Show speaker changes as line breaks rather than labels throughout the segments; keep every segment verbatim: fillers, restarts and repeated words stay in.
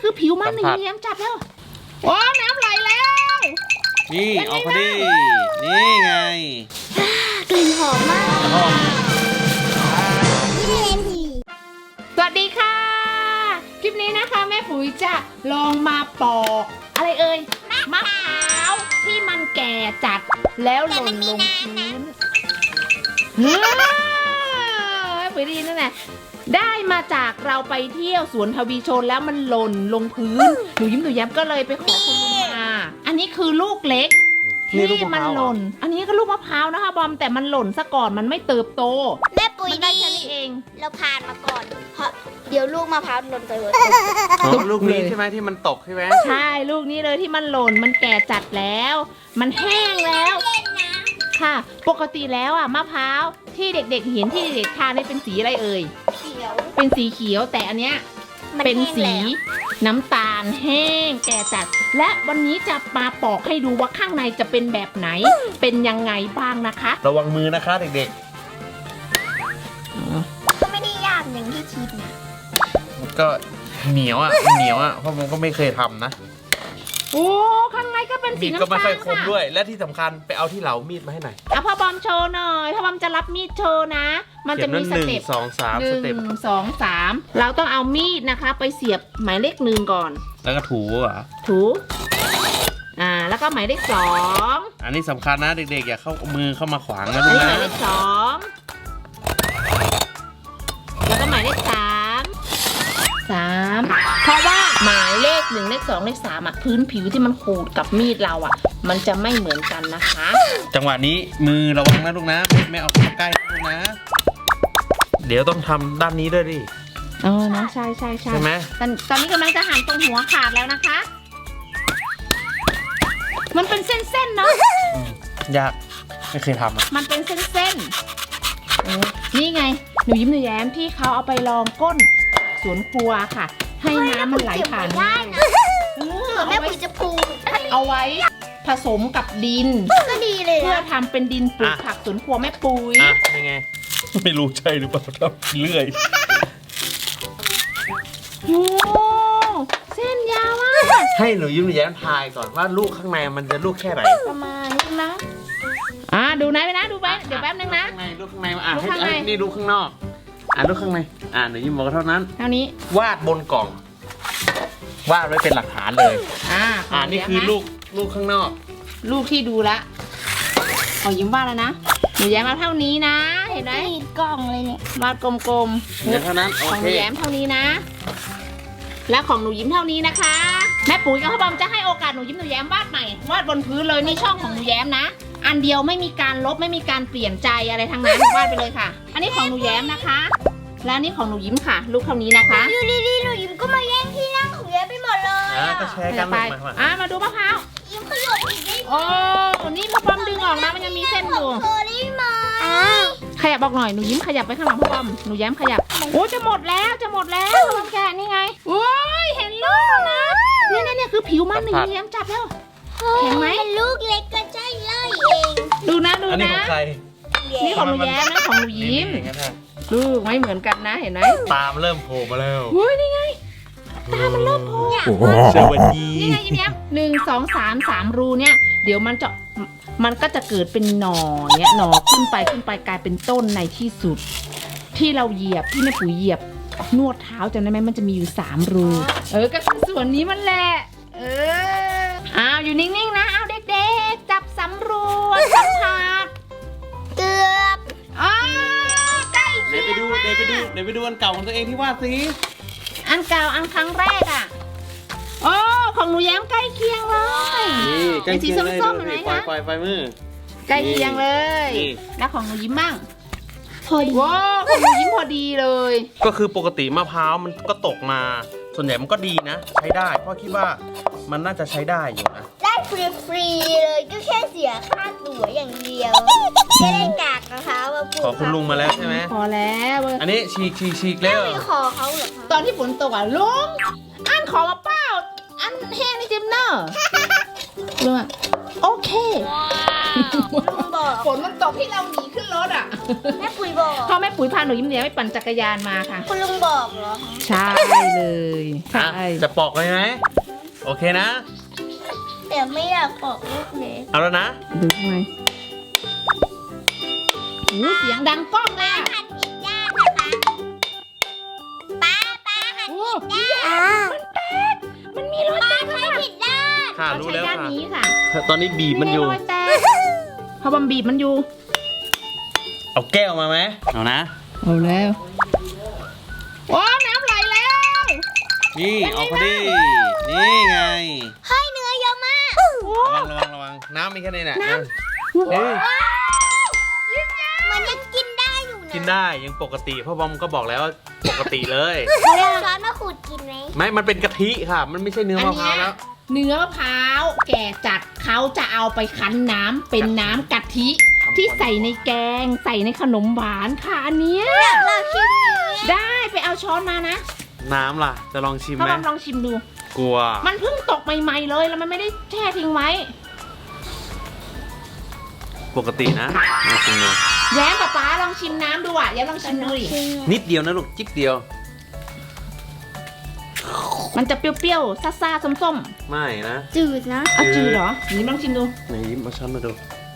คือผิวมันหนึ่งแย้มจับแล้วว้าวน้ำไหลแล้ว
นี่เอาพอดีนี่ไง
กลิ่นหอมมาก
หอม
สวัสดีค่ะคลิปนี้นะคะแม่ปุ๋ยจะลองมาปอกอะไรเอ่ยมะพร้าวที่มันแก่จัดแล้วหล่นลงพื้นเฮ้ยแม่ปุ๋ยดีนั่นแหละได้มาจากเราไปเที่ยวสวนทวีชนแล้วมันหล่นลงพื้นหนูยิ้มหนูแย้มก็เลยไปขอคุณลุงมาอันนี้คือลูกเล็กที่มันหล่นอันนี้ก็ลูกมะพร้าวนะคะบอมแต่มันหล่นซะก่อนมันไม่เติบโต
แม่ปุ๋ย
ได้แค่นี้เอง
เราผ่านมาก่อนเพราะเดี๋ยวลูกมะพร้าวหล่นไปหมด
ลูกนี้ใช่ไหมที่มันตกใช่ไหม
ใช่ลูกนี้เลยที่มันหล่นมันแก่จัดแล้วมันแห้งแล้วค่ะปกติแล้วอ่ะมะพร้าวที่เด็กๆเห็นที่เด็กๆทานนี่เป็นสีอะไรเอ่ย
เขียว
เป็นสีเขียวแต่อันเนี้ยเป็นสีน้ำตาลแห้งแก่จัดและวันนี้จะมาปอกให้ดูว่าข้างในจะเป็นแบบไหนเป็นยังไงบ้างนะคะ
ระวังมือนะคะเด็ก
ๆก็ไม่ได้ยากอย่างที่คิดนะ
ก็เหนียวอ่ะเหนียวอ่ะเพราะมันก็ไม่เคยทำนะ
โอ้ข้างในก็เป็นสีน้ำตาล
ก็ไม่ค่อยคมด้วยและที่สำคัญไปเอาที่เหลามีดมาให้หน่อย
อ่ะพ่อบอมโชว์หน่อยพ่อบอมจะรับมีดโชว์นะมันจะมีสเต็ป
สองสาม
หนึ่งสองสามเราต้องเอามีดนะคะไปเสียบหมายเลขหนึ่งก่อน
แล้วก็ถูอ่ะ
ถูอ่าแล้วก็หมายเลขสอง
อันนี้สำคัญนะเด็กๆอย่าเข้ามือเข้ามาขวางนะลูกนะ
หมายเลขสองแล้วก็หมายเลขสามสามเพราะว่าหมายเลขหนึ่งเลขสองเลขสามอ่ะพื้นผิวที่มันขูดกับมีดเราอ่ะมันจะไม่เหมือนกันนะคะ
จังหวะนี้มือระวังนะลูกนะไม่เอาเข้าใกล้ลูกนะเดี๋ยวต้องทำด้านนี้ด้วยดิ
อ๋อนะใช่ใช่ใช่
ใช่ไหม
ตอนตอนนี้กำลังจะหั่นตรงหัวขาดแล้วนะคะมันเป็นเส้นๆเนาะ
ยากไม่เคยทำอ่ะ
มันเป็นเส้นๆนี่ไงหนูยิ้มหนูแย้มที่เขาเอาไปลองก้นสวนครัวค่ะให้น้ำมันไหลผ่าน
ได้นะแม่ปุ๋ยจะปลูก
เอาไว้ผสมกับดิน
ก็ดีเลย
เพื่อทำเป็นดินปลูกผักสวนครัวแม่ปุ๋ย
อ่ะยังไงไม่รู้ใช่หรือเปล่าทำเรื่อย
โอ้เส้นยาวมาก
ให้หนูยิ้มแย้มทายก่อนว่าลูกข้างในมันจะลูกแค่ไหน
ประมาณนี้นะอ่าดูนะไปนะดูไปเดี๋ยวแป๊บนึงนะ
ข้างในลูกข้างในอ่ะให้นี่ลูกข้างนอกอ่านลูกข้างในอ่านหนูยิ้มบอกเท่านั้น
เท่านี้
วาดบนกล่องวาดไว้เป็นหลักฐานเลย
อ่า
อ่านี่คือลูกลูกข้างนอก
ลูกที่ดูละขอยิ้มวาดแล้วนะหนูแย้มมาเท่านี้นะเห็นไหม
กล่องเลยเนี่ยว
าดกลม
ๆเท่านั้น
ของหนูแย้มเท่านี้นะและของหนูยิ้มเท่านี้นะคะแม่ปุ๋ยกับพ่อบอมจะให้โอกาสหนูยิ้มหนูแย้มวาดใหม่วาดบนพื้นเลยนี่ช่องของหนูแย้มนะอันเดียวไม่มีการลบไม่มีการเปลี่ยนใจอะไรทั้งนั้นวาดไปเลยค่ะอันนี้ของหนูแย้มนะคะและนี่ของหนูยิ้มค่ะลูกเท่านี้นะคะ
อยู่ดีๆหนูยิ้มก็มาแย่งที่นั่งของแย้มไปหมดเลย
อ่ะก็แชร์กัน
ไปอ่ะมาดูมะพร้าว
ยิ้มขยบอีกนิด
โอ้นี่พ่อบอมดึงออกนะมันยังมีเส้นอยู่ขยับบอกหน่อยหนูยิ้มขยับไปข้างหลังพ่อบอมหนูแย้มขยับโอ้จะหมดแล้วจะหมดแล้วพ่อบอมแกะนี่ไงโอ้ยเห็นลูกนะเนี่ยเนี่ยเนี่ยคือผิวมันหนูแย้มจับแล้วเห็นไหม
ลูกเล็กก็ใช่เลยเอง
ดูนะดูนะ
อันนี้ของใคร
นี่ของหนูแย้มนะของหนูยิ้มลูกไม่เหมือนกันนะเห็นไหม
ตามเริ่มโผล่มาแล้ว
โอ้ยนี่ไงตามันเริ่มโผล่
สวัสดี
นี่ไงยิ้มแย้มหนึ่งสองสามสามรูเนี่ยเดี๋ยวมันจะมันก็จะเกิดเป็นหน่อเนี่ยหน่อขึ้นไปขึ้นไปกลายเป็นต้นในที่สุดที่เราเหยียบที่แม่ปุ๋ยเหยียบนวดเท้าจำได้ไหมมันจะมีอยู่สามรูเออก็คือส่วนนี้มันแหละเอออ้าวอยู่นิ่งๆนะเอาเด็กๆจับสำรวจสัมผัส
เกือบ
อ๋อใกล้
เดี๋ยวไปดูเดี๋ยวไปดูเดี๋ยวไปดูอันเก่าของตัวเองที่วาดสิ
อันเก่าอันครั้งแรกอ่ะโอ้ของหนูแย้มใกล้เคียงเลย
นี่ใกล้เคียงเลย
ส้มๆเห็นไหมคะ
ปล่อยไฟมือ
ใกล้เคียงเลยแล้วของหนูยิ้มบ้างพอดีว้าวของหนูยิ้มพอดีเลย
ก็คือปกติมะพร้าวมันก็ตกมาส่วนใหญ่มันก็ดีนะใช้ได้เพราะคิดว่ามันน่าจะใช้ได้อยู่นะ
ได้ฟรีๆเลยก็แค่เสียค่าตั๋วอย่างเดียวไม่ได้กากมะพร้าวมาปลูก
ขอคุณลุงมาแล้วใช่ไหม
พอแล้ว
อันนี้ฉีกฉีกฉีกแล้ว
ไม่ขอเขาเหรอ
ตอนที่ฝนตกอ่ะลุงอันขอมาเปล่าอันแห้งนี่จิมเนอร์ลุงอ่ะโอเค
ลุงบอก
ฝนมันตกที่เราหนีขึ้นรถอ่ะ
แม่ปุ๋ยบอก
พ่อแม่ปุ๋ยพาหนูยิ้มเหนียวไปปั่นจักรยานมาค่ะ
คุณลุงบอกเหรอ
ใช่เลยใช่
อ่ะจะปอกเลยไหมโอเคนะ
แต่ไม่อยากบอกลูกเล็ก
เอาแล้วนะ
ดูทำไมโอ้เสียงดังก้องเลยอะ
หัดผิดด้านนะคะป้าป้าหัด
โอ้
ผิดด้าน
มันมีรอยแตก
ป้าผิดด้าน
ค่ะ
เรา
รู้
ใช้
แล้ว
ด้าน
ค่ะ
นี้ค่ะ
ตอนนี้บีบมันอยู่
รอยแตกพอบอมบีบมันอยู่
เอาแก้วมาไหมเอานะ
เอาแล้วโอ้น้ำไหลแล้ว
นี่เอาพอดี นี่ไง
เฮ้ยเนื้อเยอะมาก
โอ้
ระวังระวังระวัง น้ำมีแค่นี้แหละ
น้ำ
อ่ะเฮ้ย
มันยังกินได้อยู่นะ
กินได้ยังปกติพ่อบอมก็บอกแล้วว่าปกติเลย
เอาช้อนมาขูดกินไหม
ไม่ มันเป็นกะทิค่ะ มันไม่ใช่เนื้อมะพร้าวแล้ว
เนื้อมะพร้าวแก่จัดเขาจะเอาไปคั้นน้ำเป็นน้ำกะทิ ที่ใส่ในแกงใส่ในขนมหวานค่ะอันเนี้ย
เราชิมเนื้อ
ได้ไปเอาช้อนมานะ
น้ำล่ะ จะลองชิม
พ่อ
ไหม
บอมลองชิมดู
กลัว
มันเพิ่งตกใหม่ๆเลยแล้วมันไม่ได้แช่ทิ้งไว้
ปกตินะลองชิมดู
แย้มป๊าป๊าลองชิมน้ำดูอ่ะแย้มลองชิมดูดิ
นิดเดียวนะลูก จิ๊บเดียว
มันจะเปรี้ยวๆซ่าๆส้ม
ไม่นะ
จืดนะ
ๆอ่ะจืดเหรอนี่ลองชิมดู
ไหนยิ้มมาช้อนมาดู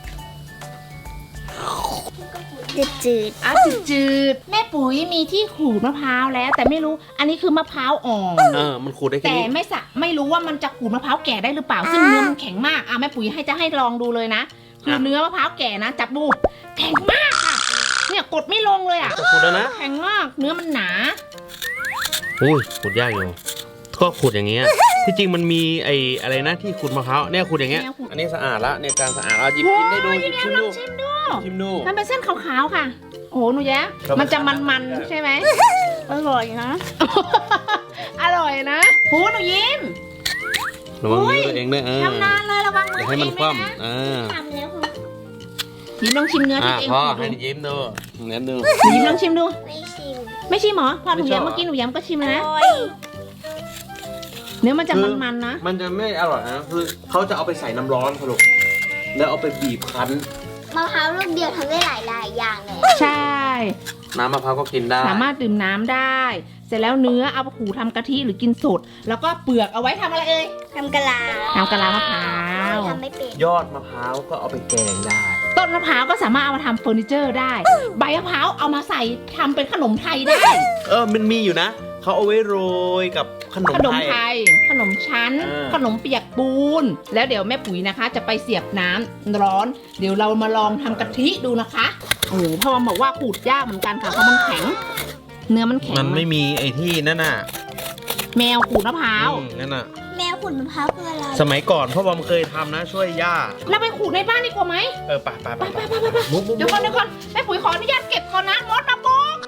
จืดจืด
อ่ะจืดๆแม่ปุ๋ยมีที่ขูดมะพร้าวแล้ว แต่ไม่รู้อันนี้คือมะพร้าวอ่อน
เออ มันขูดได้แค่
แต่
นี้
ไม่สะไม่รู้ว่ามันจะขูดมะพร้าวแก่ได้หรือเปล่า ซึ่งเนื้อมันแข็งมากอ่ะแม่ปุ๋ยให้จะให้ลองดูเลยนะคือเนื้อมะพร้าวแก่นะจับดูแข็งมากค่ะ เนี่ยกดไม่ลงเลยอ่ะ
จะขูดแล้วนะ
แข็งมากเนื้อมันหนา
อุ้ยขูดยากอยู่ ก็ขูดอย่างเงี้ย ที่จริงมันมีไอ้อะไรนะที่ขูดมะพร้าวเนี่ยขูดอย่างเงี้ย อันนี้สะอาดละเนี่ยจานสะอาดแล้วหยิบกินได้ดูหยิบชิม
ล
ดู
องชิมดู
ชิมดู
มันเป็นเส้นขาวๆค่ะ โอ้โหหนูแย้
ครับ
มันจะมันๆใช่ไหม
อร่อยนะ
อร่อยนะหูหนูยิ้ม
ระวัง
อุ้ย
มือตัวเองด้วยเออ
ทำนานเลยระวังมื
อย่า
อ
ให้มันค
ตัวเองด้วยนะ
ว่ำเออ
ทำแล้วคุณ
ยิ้มลองชิมเนื้อ
อ่ะ
ที่ตัวเอง
พ่อ
ขูด
ให้
ดู
ยิ้มดูเน้นดู
หนูยิ้มลองชิมดู
ไม่ชิม
ไม่ชิมเหรอพอหนู
ไม่ชอบ
แย้มเมื่อกี้หนูแย้มก็ชิมแล้วนะ
โอ้ย
เนื้อมันจะ
คือ
มันๆนะ
มันจะไม่อร่อยนะคือเขาจะเอาไปใส่น้ำร้อนสรุปแล้วเอาไปบีบคั้น
มะพร้าวลูกเดียวทำได้หลายหลายๆอย่างเลย
ใช่
น้ำมะพร้าวก็กินได้
สามารถดื่มน้ำได้ เสร็จแล้วเนื้อเอาไปขูดทำกะทิหรือกินสด แล้วก็เปลือกเอาไว้ทำอะไรเอ่ย
ทำกะลา
ทำกะลามะพร้าว
ทำไม่เป็น
ยอดมะพร้าวก็เอาไปแกงได้
ต้นมะพร้าวก็สามารถเอามาทำเฟอร์นิเจอร์ได้ ใบมะพร้าวเอามาใส่ทำเป็นขนมไทยได้
เออมันมีอยู่นะเขาเอาไว้โรยกับขนม
ขนม
ไท
ไท
ย
ย ขนมชั้น
เออ
ขนมเปียกปูน แล้วเดี๋ยวแม่ปุ๋ยนะคะ จะไปเสียบน้ำร้อน เดี๋ยวเรามาลองทำกะทิดูนะคะ โอ้โหพ่อบอกว่าขูดยากเหมือนกันค่ะเพราะมันแข็ง เนื้อมันแข็ง
มันไม่มีไอ้ที่นั่นน่ะ
แมวขูดมะพร้าว
อืมนั่นน่ะ
แมวขุนมะพร้าวคืออะไร
สมัยก่อนพ่อบอมเคยทำนะ ช่วยย่า
เราไปขูดในบ้านดีกว่าไหม
เออไปไปไป
ไป
ไป
ไปไปไป
มุกมุก
เดี๋ยวก่อนเดี๋ยวก่อนแม่ปุ๋ยขออนุญาตเก็บก่อนนะมดมาบุก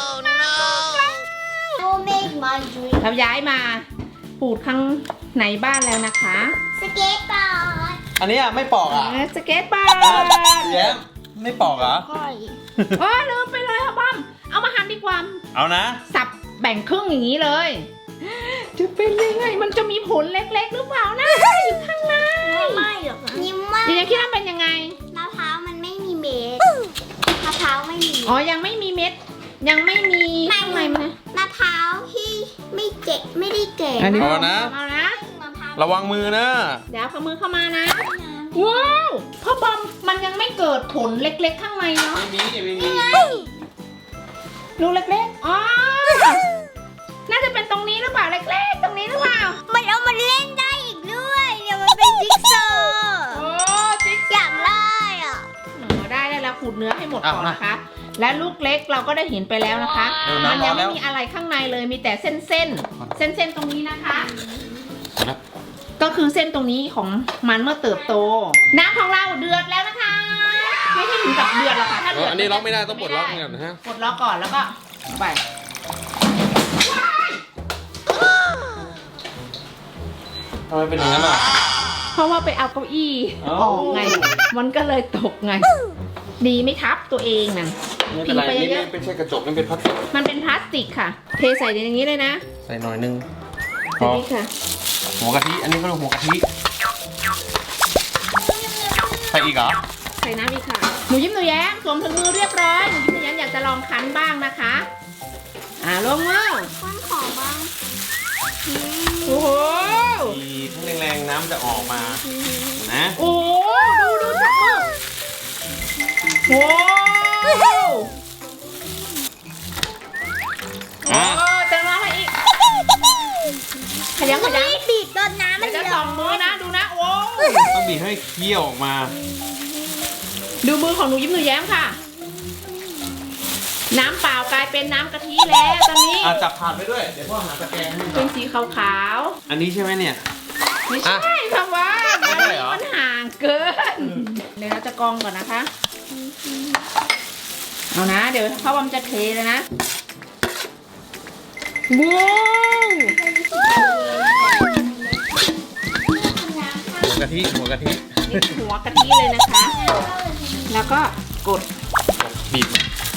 โอเมกมาจุย
เราย้ายมาขูดข้างในบ้านแล้วนะคะ
สเก็ตบอร์ด
อันนี้อ่ะไม่ปอกอ่ะ
เออสเก็ตบอร์ด
แย้มไม่ปอกเหรอ
ก้อย
โอ้ลืมไปเลยค่ะป้อมเอามาหั่นดีกว่า
เอานะ
สับแบ่งครึ่งอย่างนี้เลย จะเป็นยังไงมันจะมีผลเล็กๆหรือเปล่านะอยู่ข้างใน
ไม่หรอกยิ้มว่า
เดี๋ยวคิดว่าเป็นยังไง
มะพร้าวมันไม่มีเม็ดมะพร้าวไม่มี
อ๋อยังไม่มีเม็ด ยังไม่มีข้างในมันนะ
มะพร้าวที่ไม่เจ็ไม่ได้แก่
อันนี้
เอานะ
เอานะ
มะพร้าว
ระวังมือนะ
เดี๋ยวเอามือเข้ามานะว้าวพ่อบอมมันยังไม่เกิดผลเล็กๆข้างในเนาะ
ไม่มีไม่มี
รูเล็กๆ อ๋อ น่าจะเป็นตรงนี้หรือเปล่าเล็กๆ ตรงนี้หรือเปล่า
มันเอามันเล่นได้อีกด้วยเดี๋ยวมันเป็นจิ๊กซอว์
โอ้จิ๊ก
อยากได้อ่ะ
โอ้ได้ได้แล้วขูดเนื้อให้หมดก่อนนะคะ และลูกเล็กเราก็ได้เห็นไปแล้วนะคะ
เออ
มั
น้ำร้
ยั
อน
ไม่
แล้ว
มีอะไรข้างในเลย มีแต่เส้นเส้นเส้นเส้นๆตรงนี้นะคะ ก็คือเส้นตรงนี้ของมันเมื่อเติบโต น้ำของเราเดือดแล้วนะคะ ไม่ใช่ถึงกับเดือดหรอกค่ะ ถ้า
เอ
เดื
อ
อด
อันนี้ล็อกไม่ได้ต้องปลดล็อกก่อนนะฮะ
ปลดล็อกก่อนแล้วก็ไป
ทำไมเป็นอย่างนั้นอ่ะ
เพราะว่าไปเอาเก้าอี้
เอ้า
ออกไง มันก็เลยตกไง ดีไม่ทับตัวเองนั่น
ไม่เป็นไร
พิงไป
นี่
เยอะ
ไม่ใช่กระจกนี่เป็นพลาสติก
มันเป็นพลาสติกค่ะ เทใส่ในอย่างนี้เลยนะ
ใส่หน่อยนึงพ
ใส่
อ
นี่ค่ะ
หัวกะทิ อันนี้ก็เรียกหัวกะทิ ใส่อีกเหรอ
ใส่น้ำอีกค่ะหนูยิ้มหนูแย้มสวมถุงมือเรียบร้อยหนูยิ้มหนูแย้มอยากจะลองคั้นบ้างนะคะอ่าลงมือ
ข้นขอบ้าง
โอ้โห
ดีทั้งแรงๆน้ำจะออกมานะ
โอ้โหดูดูจับมือโอ้โหโอ้
อ่ะ
เติมน้ำมาอีกขยันขยัน
บีบจนน้ำมัน
เดี๋ยวจะ
เย
สอ
อะ
งมือนะดูนะโอ้
ต้องบีบให้เคี่ยวออกมา
ดูมือของหนูยิ้มหนูแย้มค่ะ น้ำเปล่ากลายเป็นน้ำกะทิแล้วตอนนี้
อ่ะจับผ่านไปด้วย เดี๋ยวพ่อหาตะแกรงให้
เป็นสีขาว
อันนี้ใช่ไหมเนี่ย
ๆไม่ใช่ค่ะว่า
ไม่
มัน
ใช่เหรอ
มันห่างเกินเดี๋ยวเราจะกรองก่อนนะคะเอานะ เดี๋ยวพ่อบอมจะเทเลยนะว้าว
หัวกะทิหัวกะทิ
นี่หัวกะทิเลยนะคะ แล้วก็กด
บีบ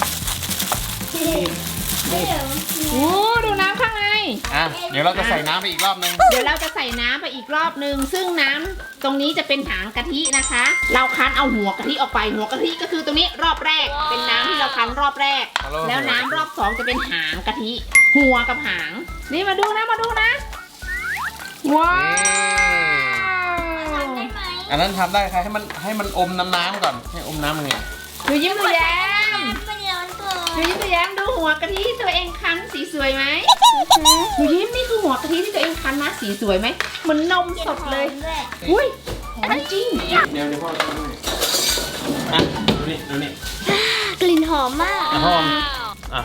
โอ้ดูน้ำข้างใน
อ่ะเดี๋ยวเราจะใส่น้ำไปอีกรอบนึง
เดี๋ยวเราจะใส่น้ำไปอีกรอบนึง ซึ่งน้ำตรงนี้จะเป็นหางกะทินะคะ เราคั้นเอาหัวกะทิออกไป หัวกะทิก็คือตรงนี้รอบแรก เป็นน้ำที่เราคั้นรอบแรก แล้วน้ำรอบสองจะเป็นหางกะทิ หัวกับหาง นี่มาดูนะ มาดูนะ ว้าว
ได้ไหม
อันนั้นทำได้ค่ะให้มันให้มันอมน้ำน้ำก่อนให้อมน้ำมันไง
หนูยิ้มหนูแย้ม
มันร้อนเกิ
หนู
น
ยิ้มหนูแย้มดูหัวกะทิที่ตัวเองคั้นสีสวยไหมหนูยิ้มนี่คือหัวกะทิที่ตัวเองคั้นนะสีสวยไหมเหมือนนมสดเลย
ด้วย
อุ้ยหอมจริง
เดี๋ยวเดี๋ยวพ่อทำให้อ่ะดูนี่ดูนี่
กลิ่นหอมมาก
อ่ะพ่ออ่ะ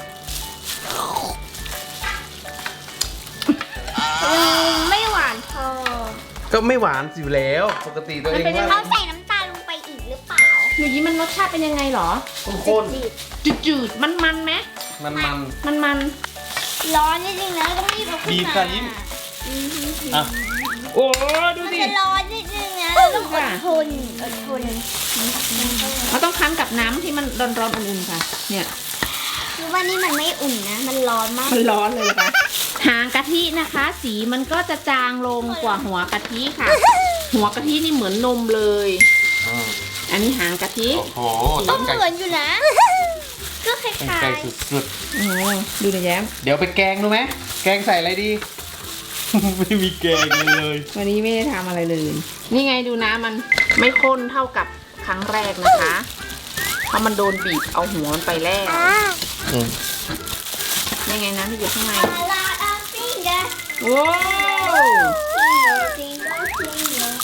อืมไม่หวานพอ
ก็ไม่หวานอยู่แล้ว ปกติตัวเอง
มันเป็นยังไง
ว่า
เขาใส่น้ำตาลลงไปอีกหรือเปล่า
หนูยิ้มมันรสชาติเป็นยังไงหรอ
ข้น
จืด
จืดๆ มันๆไหม
ๆมันมัน
มันมัน
ๆร้อนนิดนึงนะต้องรีบเอาขึ้น
บีบ
มา
ค่ะยิ้ม
อืม
อ่ะ
โอ้ดู
มัน
ดิ
จะร้อนนิดนึงนะเราต้องอดทนอดทน
เราต้องคั้นกับน้ำที่มันร้อนๆอุ่นๆค่ะ เนี่ย
คือว่านี่มันไม่อุ่นนะ มันร้อนมาก
มันร้อนเลยค่ะ หางกะทินะคะ สีมันก็จะจางลงกว่าหัวกะทิค่ะ หัวกะทินี่เหมือนนมเลย
อืม
อันนี้หางกะทิ
โอ้โห
ก็เหมือนอยู่นะ ก็คล้
เป็น
าย
ไก่สุด
โอ้ดูหนะแย้ม
ๆ เดี๋ยวไปแกงดูไหมแกงใส่อะไรดี ไม่มีแกงเลย
วันนี้ไม่ได้ทำอะไรเลย นี่ไงดูน้ำมันไม่ข้นเท่ากับครั้งแรกนะคะ เพราะมันโดนบีบเอาหัวมันไปแล้ว
ๆอ่า
อืม
นี่ไงน้ำที่อยู่ข้างใน
a lot of fingers
โอ้
fingers fingers fingers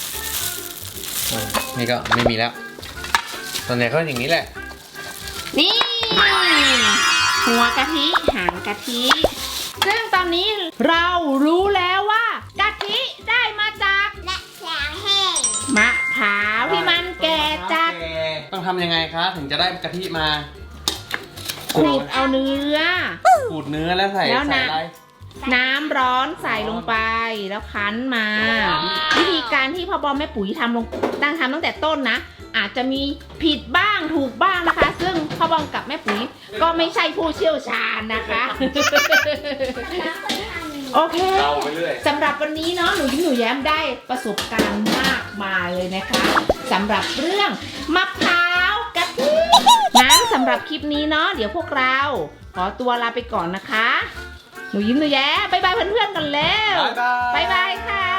นี่ก็ไม่มีแล้วส่วนใหญ่ก็อย่างนี้แหละ
นี่ หัวกะทิหางกะทิ ซึ่งตอนนี้เรารู้แล้วว่ากะทิได้มาจาก
และแสงแห้ง
มะพร้าวที่มันแก่จัด
ต้องทำยังไงคะ ถึงจะได้กะทิมา
ขูดเอาเนื้อ
ขูดเนื้อแล้วใส่
แล้ว
ใส่
นะ
อะไร
น้ำร้อนใส่ลงไปแล้วคั้นมา วิธีการที่พ่อบอมแม่ปุ๋ยทำลงตั้งทำตั้งแต่ต้นนะ อาจจะมีผิดบ้างถูกบ้างนะคะ ซึ่งพ่อบอมกับแม่ปุ๋ยก็ไม่ใช่ผู้เชี่ยวชาญนะคะ โอเค
เดาไปเรื่อย
สำหรับวันนี้เนาะหนูยิ้มหนูแย้มได้ประสบการณ์มากมายเลยนะคะสำหรับเรื่องมะพร้าวกะทิงั้นสำหรับคลิปนี้เนาะเดี๋ยวพวกเราขอตัวลาไปก่อนนะคะ หนูยิ้มหนูแย้มบายบายเพื่อนๆกันแล้ว
บ๊ายบาย
บายบายค่ะ